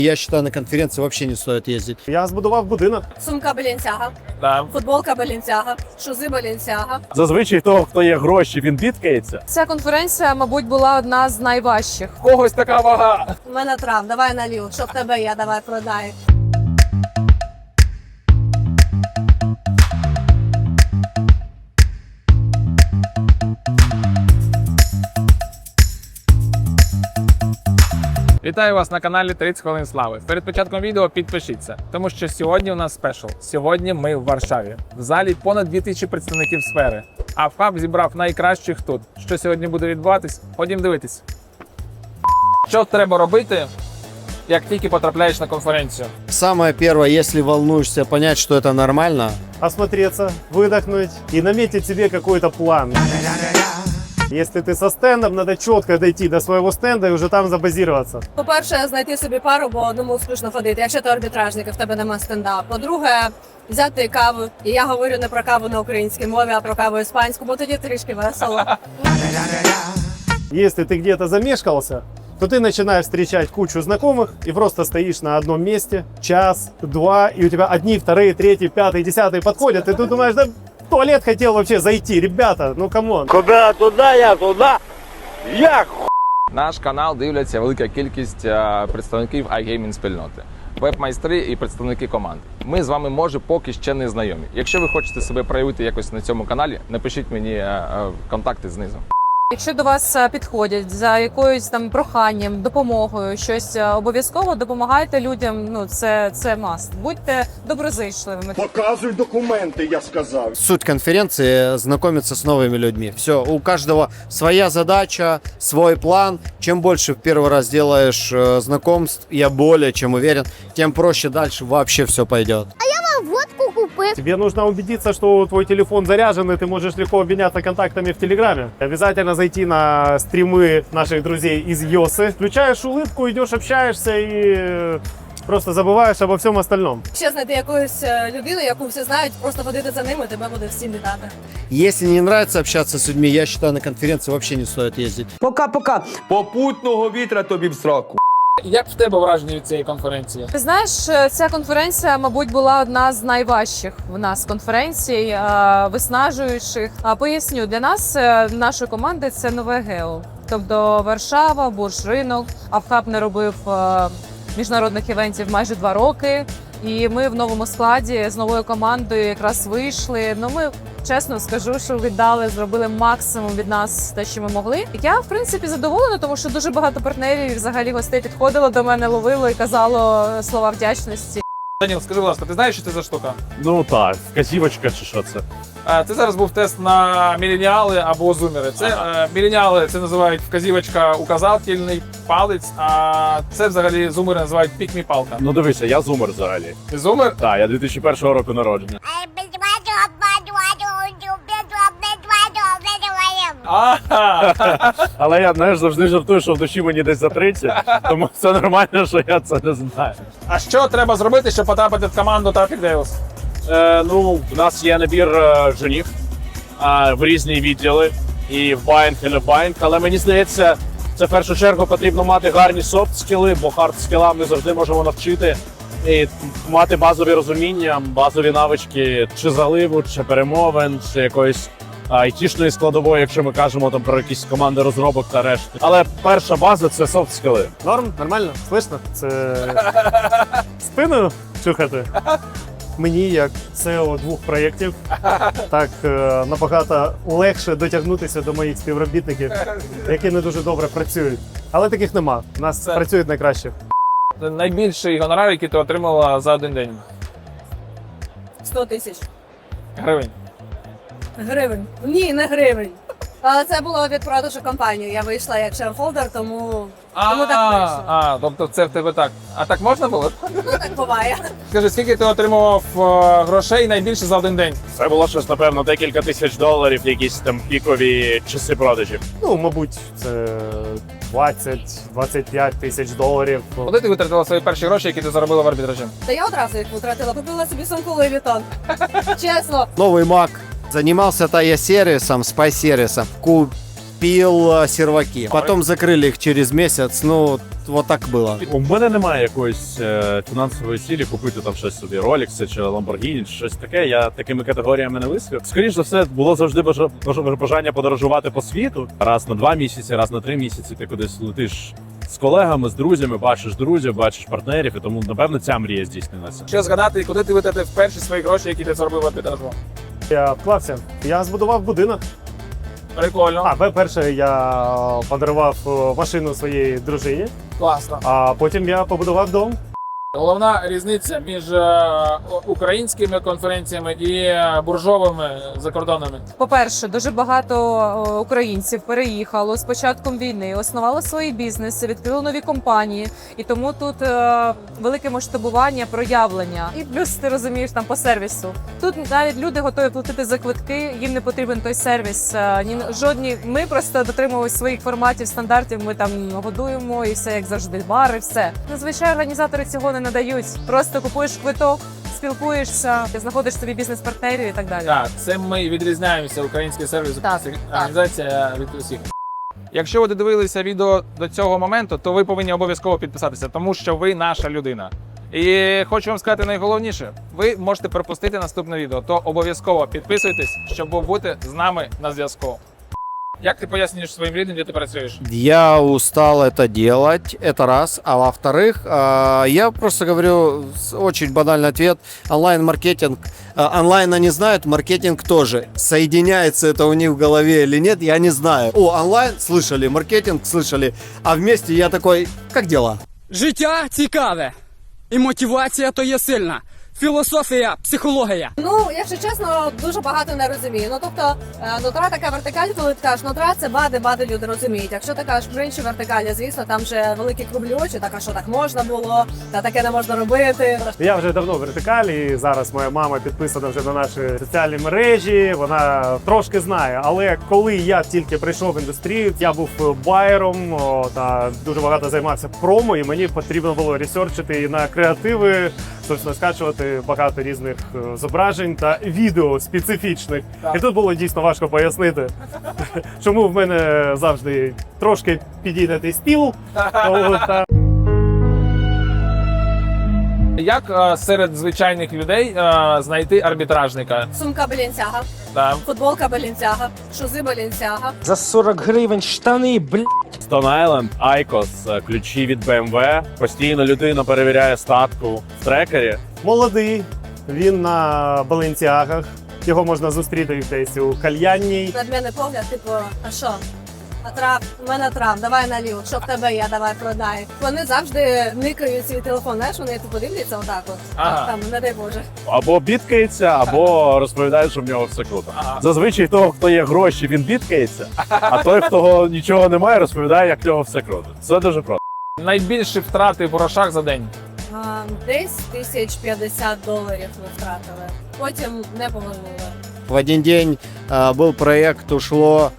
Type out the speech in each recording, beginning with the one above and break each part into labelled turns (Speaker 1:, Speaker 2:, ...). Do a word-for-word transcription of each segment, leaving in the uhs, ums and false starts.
Speaker 1: Я считаю, на конференции вообще не стоит ездить.
Speaker 2: Я збудував будинок.
Speaker 3: Сумка Balenciaga,
Speaker 4: Да.
Speaker 3: футболка Balenciaga, шузи Balenciaga.
Speaker 2: Зазвичай того, хто є гроші, він бідкається.
Speaker 5: Ця конференція, мабуть, була одна з найважчих.
Speaker 4: В когось така вага.
Speaker 3: У мене трав, давай налів, що в тебе є, давай продай.
Speaker 4: Вітаю вас на каналі тридцять хвилин слави. Перед початком відео підпишіться, тому що сьогодні у нас спешл. Сьогодні ми в Варшаві. В залі понад дві тисячі представників сфери. А ФХАБ зібрав найкращих тут. Що сьогодні буде відбуватись? Ходім дивитись. Що треба робити, як тільки потрапляєш на конференцію?
Speaker 1: Самое первое, если волнуешься, понять, что это нормально.
Speaker 2: Осмотреться, выдохнуть и наметить себе какой-то план. Если ты со стендом, надо четко дойти до своего стенда и уже там забазироваться.
Speaker 3: По-перше, знайти собі пару, бо одному скучно ходити, якщо ти арбітражник, і в тебе нема стенда. По-друге, взяти каву. І я говорю не про каву на українській мові, а про каву іспанську, бо тоді трішки весело.
Speaker 2: Если ты где-то замешкался, то ты начинаешь встречать кучу знакомых и просто стоишь на одном месте час, два, и у тебя одни, вторые, третьи, пятые, десятые подходят, и ты думаешь, да в туалет хотел вообще зайти, ребята, ну камон.
Speaker 6: Куда туда, я туда, я
Speaker 4: Наш канал дивляться велика кількість е, представників iGaming спільноти, веб-майстри і представники команд. Ми з вами, може, поки ще не знайомі. Якщо ви хочете себе проявити якось на цьому каналі, напишіть мені е, е, контакти знизу.
Speaker 5: Якщо до вас е, підходять за якоюсь там проханням, допомогою, щось е, обов'язково допомагайте людям. Ну це це маст. Будьте доброзичливими.
Speaker 6: Показуй документи, я сказав.
Speaker 1: Суть конференции – знакомиться с новыми людьми. Все, у каждого своя задача, свой план. Чем больше в первый раз делаешь э, знакомств, я более чем уверен, тем проще дальше вообще все пойдет.
Speaker 7: Водку купив.
Speaker 2: Тебе нужно убедиться, что твой телефон заряжен, и ты можешь легко обменяться контактами в Телеграме. Обязательно зайти на стримы наших друзей из Йосы. Включаешь улыбку, идешь, общаешься и просто забываешь обо всем остальном.
Speaker 3: Ще знайти якусь е, людину, яку всі знають, просто ходити за ними, тебе буде всім вітати.
Speaker 1: Если не нравится общаться с людьми, я считаю, на конференции вообще не стоит ездить.
Speaker 8: Пока-пока. Попутного вітра тобі в сраку.
Speaker 4: Як в тебе враження від цієї конференції?
Speaker 5: Ти знаєш, ця конференція, мабуть, була одна з найважчих в нас конференцій, е, виснажуючих. А поясню, для нас, е, нашої команди, це нове гео. Тобто Варшава, Бурж-ринок, а ФХАБ не робив е, міжнародних івентів майже два роки. І ми в новому складі з новою командою якраз вийшли. Ну, ми, чесно скажу, що віддали, зробили максимум від нас те, що ми могли. Я, в принципі, задоволена, тому що дуже багато партнерів, взагалі гостей підходило до мене, ловило і казало слова вдячності.
Speaker 4: Даніл, скажи, будь ласка, ти знаєш, що це за штука?
Speaker 2: Ну так, вказівочка чи що це?
Speaker 4: Е, Це зараз був тест на міленіали або зумери. Це е, міленіали це називають вказівочка указательний палець, а це взагалі зумери називають пік-мі-палка.
Speaker 9: Ну дивися, я зумер взагалі.
Speaker 4: Ти зумер?
Speaker 9: Так, я дві тисячі першого року народження.
Speaker 4: Ага.
Speaker 9: Але я, знаєш, завжди жартую, що в душі мені десь за тридцять, тому це нормально, що я це не знаю.
Speaker 4: А що треба зробити, щоб потрапити в команду Traffic Devils?
Speaker 9: Е, ну, у нас є набір е, женів е, в різні відділи, і в байнг, і не в байнг, але мені здається, це в першу чергу потрібно мати гарні софт-скіли, бо хард-скілам не завжди можемо навчити. І мати базові розуміння, базові навички чи заливу, чи перемовин, чи якоїсь айтішної складової, якщо ми кажемо там про якісь команди розробок та решти. Але перша база – це софт-скіли.
Speaker 2: Норм? Нормально? Слышно? Це спиною чухати? Мені, як сео двох проєктів, так е, набагато легше дотягнутися до моїх співробітників, які не дуже добре працюють. Але таких нема. У нас
Speaker 4: Це-
Speaker 2: працюють найкраще.
Speaker 4: Найбільший гонорар, який ти отримала за один день.
Speaker 3: сто тисяч
Speaker 4: Гривень.
Speaker 3: гривень. Ні, не гривень. Але це було від продажу компанії. Я вийшла як шерхолдер, тому, тому так вийшло.
Speaker 4: А, тобто це в тебе так. А так можна було?
Speaker 3: Ну так буває.
Speaker 4: Скажи, скільки ти отримував е, грошей найбільше за один день?
Speaker 9: Це було щось, напевно, декілька тисяч доларів, якісь там пікові часи продажів.
Speaker 2: Ну, мабуть, це двадцять-двадцять п'ять тисяч доларів.
Speaker 4: Куди ти витратила свої перші гроші, які ти заробила в арбітражі?
Speaker 3: Та я одразу їх витратила, купила собі сумку Louis Vuitton. Чесно.
Speaker 1: Новый Mac. Занимался Тая-сервисом, спай-сервисом. Купил э, серваки. Потом закрыли их через месяц. Ну, вот так было.
Speaker 9: У мене немає якоїсь е, фінансової цілі купити там щось собі, Rolex чи Lamborghini, чи щось таке. Я такими категоріями не висвіт. Скоріше за все, було завжди бажа- бажа- бажання подорожувати по світу. Раз на два місяці, раз на три місяці ти кудись летиш з колегами, з друзями, бачиш друзів, бачиш партнерів, і тому, напевно, ця мрія здійснилася.
Speaker 4: Що згадати, куди ти витратив перші свої гроші, які ти заробив в арбітражу?
Speaker 2: Я вклався. Я збудував будинок.
Speaker 4: Прикольно,
Speaker 2: А, по-перше, я подарував е, машину своїй дружині,
Speaker 4: класно.
Speaker 2: а потім я побудував дом.
Speaker 4: Головна різниця між е, українськими конференціями і е, буржовими закордонними.
Speaker 5: По-перше, дуже багато о, українців переїхало з початком війни, основали свої бізнеси, відкрили нові компанії, і тому тут е, велике масштабування, проявлення. І плюс ти розумієш там по сервісу. Тут навіть люди готові платити за квитки, їм не потрібен той сервіс. Е, ні жодні. Ми просто дотримуємося своїх форматів, стандартів. Ми там годуємо і все як завжди. Бари, все. Зазвичай організатори цього не надають. Просто купуєш квиток, спілкуєшся, знаходиш собі бізнес-партнерів і так далі.
Speaker 4: Так, це ми відрізняємося, український сервіс,
Speaker 5: Так,
Speaker 4: організація від усіх. Якщо ви додивилися відео до цього моменту, то ви повинні обов'язково підписатися, тому що ви наша людина. І хочу вам сказати найголовніше, ви можете пропустити наступне відео, то обов'язково підписуйтесь, щоб бути з нами на зв'язку. Як ти пояснюєш своїм людям, де ти працюєш?
Speaker 1: Я устал это делать, это раз. А во-вторых, а, я просто говорю с- очень банальный ответ. Онлайн-маркетинг, а, онлайн они знают, маркетинг тоже. Соединяется это у них в голове или нет, я не знаю. О, онлайн слышали, маркетинг слышали, а вместе я такой, как дела?
Speaker 10: Життя цікаве, і мотивація то є сильна. Філософія, психологія.
Speaker 3: Ну, якщо чесно, дуже багато не розумію. Ну тобто, е, нутра така вертикаль, коли ти кажеш, нутра це бади, бади люди розуміють. Якщо ти кажеш про інші вертикалі, звісно, там вже великі круглі очі, так а що так можна було, та таке не можна робити.
Speaker 2: Я вже давно в вертикалі, і зараз моя мама підписана вже на наші соціальні мережі. Вона трошки знає. Але коли я тільки прийшов в індустрію, я був байером о, та дуже багато займався промо, і мені потрібно було ресерчити на креативи, собственно, скачувати багато різних е, зображень та відео специфічних. І тут було дійсно важко пояснити, чому в мене завжди трошки підійнятий стіл. О, та
Speaker 4: Як е, серед звичайних людей е, знайти арбітражника?
Speaker 3: Сумка Балінцяга,
Speaker 4: Там.
Speaker 3: футболка Балінцяга, шузи Балінцяга.
Speaker 10: За сорок гривень штани, бля.
Speaker 9: Stone Island, Айкос, ключі від бе ем ве. Постійно людина перевіряє статку в трекері.
Speaker 2: молодий, він на Баленціагах. Його можна зустріти десь у кальянній.
Speaker 3: Надмінний погляд, типу, а що? А трав, у мене трав, давай наліво, що в тебе є, давай продай. Вони завжди никають свій телефон, знаєш, вони типу дивляться отак от,
Speaker 4: Ага.
Speaker 3: там, не дай Боже.
Speaker 9: Або бідкається, або розповідає, що в нього все круто.
Speaker 4: Ага.
Speaker 9: Зазвичай того, хто є гроші, він бідкається, а той, хто нічого немає, розповідає, як в нього все круто. Це дуже просто.
Speaker 4: Найбільші втрати в грошах за день.
Speaker 3: А, десь тисяч п'ятдесят доларів ми втратили, потім не повернули.
Speaker 1: В один день а, был проект, ушло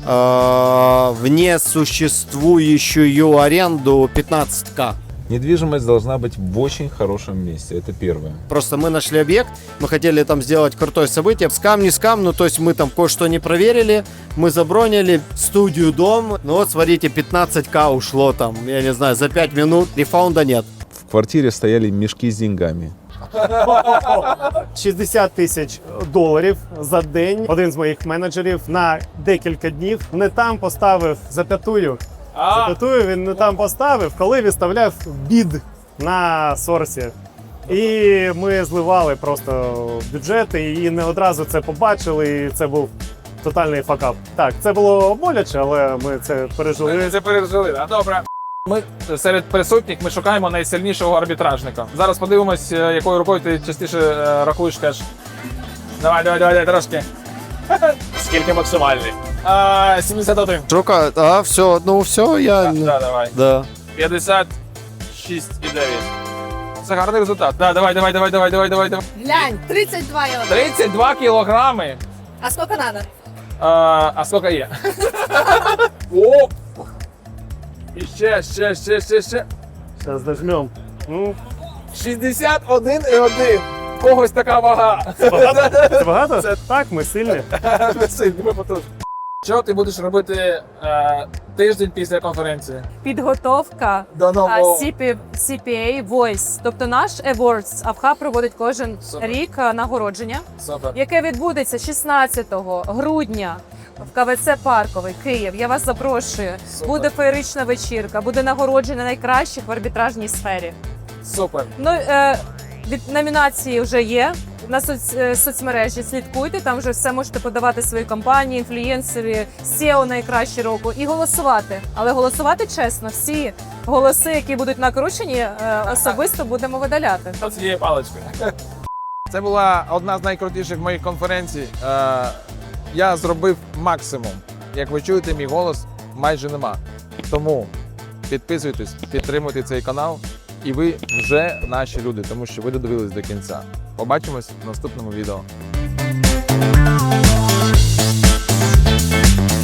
Speaker 1: а, в несуществующую аренду пятнадцать тысяч.
Speaker 11: Недвижимость должна быть в очень хорошем месте, это первое.
Speaker 1: Просто мы нашли объект, мы хотели там сделать крутое событие, скам не скам, ну то есть мы там кое-что не проверили, мы забронили студию, дом, ну вот смотрите, пятнадцать тысяч ушло там, я не знаю, за пять минут, рефаунда нет.
Speaker 11: В квартире стояли мешки с деньгами.
Speaker 2: шістдесят тисяч доларів за день. Один з моїх менеджерів на декілька днів не там поставив запятую. Запятую він не там поставив, коли виставляв бід на сорсі. І ми зливали просто бюджети і не одразу це побачили, і це був тотальний факап. Так, це було боляче, але ми це
Speaker 4: Ми
Speaker 2: пережили.
Speaker 4: це пережили, а добре. Ми серед присутніх ми шукаємо найсильнішого арбітражника. Зараз подивимось, е, якою рукою ти частіше е, рахуєш кеш. Давай, давай, давай, давай, трошки.
Speaker 9: Скільки максимальний?
Speaker 4: А, сімдесят один.
Speaker 1: Шука, а, все, ну все, я...
Speaker 4: Так, да, давай.
Speaker 1: Да.
Speaker 4: п'ятдесят шість і дев'ять. Це гарний результат. Да, давай, давай, давай, давай, давай, давай, давай.
Speaker 3: Глянь, тридцять два євро.
Speaker 4: тридцять два кілограми.
Speaker 3: А скільки треба?
Speaker 4: А, а скільки є? О! І ще, ще, ще, ще, ще.
Speaker 2: Зараз дожмем. Ну,
Speaker 4: шістдесят один і один. Когось така вага.
Speaker 2: це багато? Це багато?
Speaker 4: Це-
Speaker 2: Так, ми сильні.
Speaker 4: Ми сильні, ми потужні. Що ти будеш робити е, тиждень після конференції?
Speaker 5: Підготовка
Speaker 4: До
Speaker 5: а,
Speaker 4: нового.
Speaker 5: сі пі, сі пі ей Voice. Тобто наш Awards АВХА проводить кожен
Speaker 4: Супер.
Speaker 5: рік а, нагородження,
Speaker 4: Супер.
Speaker 5: яке відбудеться шістнадцятого грудня в ка ве це Парковий, Київ. Я вас запрошую.
Speaker 4: Супер.
Speaker 5: Буде феєрична вечірка, буде нагородження найкращих в арбітражній сфері.
Speaker 4: Супер.
Speaker 5: Ну, е, від номінації вже є. На соц, е, соцмережі слідкуйте, там вже все можете подавати свої компанії, інфлюєнсери, сео найкращі року і голосувати. Але голосувати чесно, всі голоси, які будуть накручені, е, особисто будемо видаляти.
Speaker 4: З цією паличкою. Це була одна з найкрутіших моїх конференцій. Е, я зробив максимум. Як ви чуєте, мій голос майже нема. Тому підписуйтесь, підтримуйте цей канал. І ви вже наші люди, тому що ви додивились до кінця. Побачимось в наступному відео.